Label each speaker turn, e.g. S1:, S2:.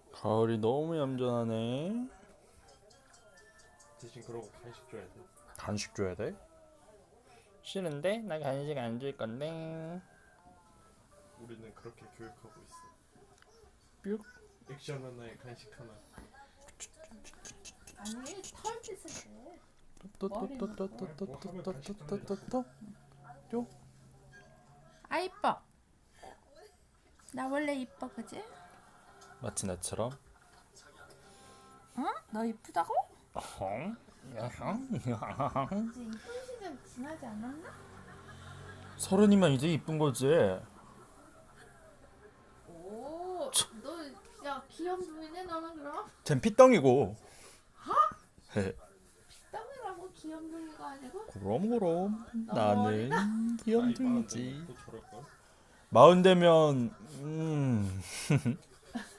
S1: 가을이 너무 얌전하네.
S2: 대신 그러고 간식 줘야 돼.
S1: 간식 줘야 돼? 싫은데? 나 간식 안 줄 건데.
S2: 우리는 그렇게 교육하고 있어.
S1: 뿅.
S2: 액션 하나에 간식 하나.
S3: 아니 털 빗을 때
S1: 또또또또또또또또또또또.
S3: 아 이뻐. 나 원래 이뻐 그지?
S1: 마치 나처럼.
S3: 응? 너 이쁘다고?
S1: 어흥. 야흥.
S3: 이제 이쁜 시절 지나지 않았나?
S1: 서른이면 이제 이쁜 거지.
S3: 오, 너 야 귀염둥이네 너는 그럼?
S1: 쟨 피덩이고. 헤.
S3: 떡이라고 귀염둥이가 아니고?
S1: 그럼
S3: 너무
S1: 나는
S3: 어리다.
S1: 귀염둥이지.
S2: 또 저럴 걸.
S1: 마흔 되면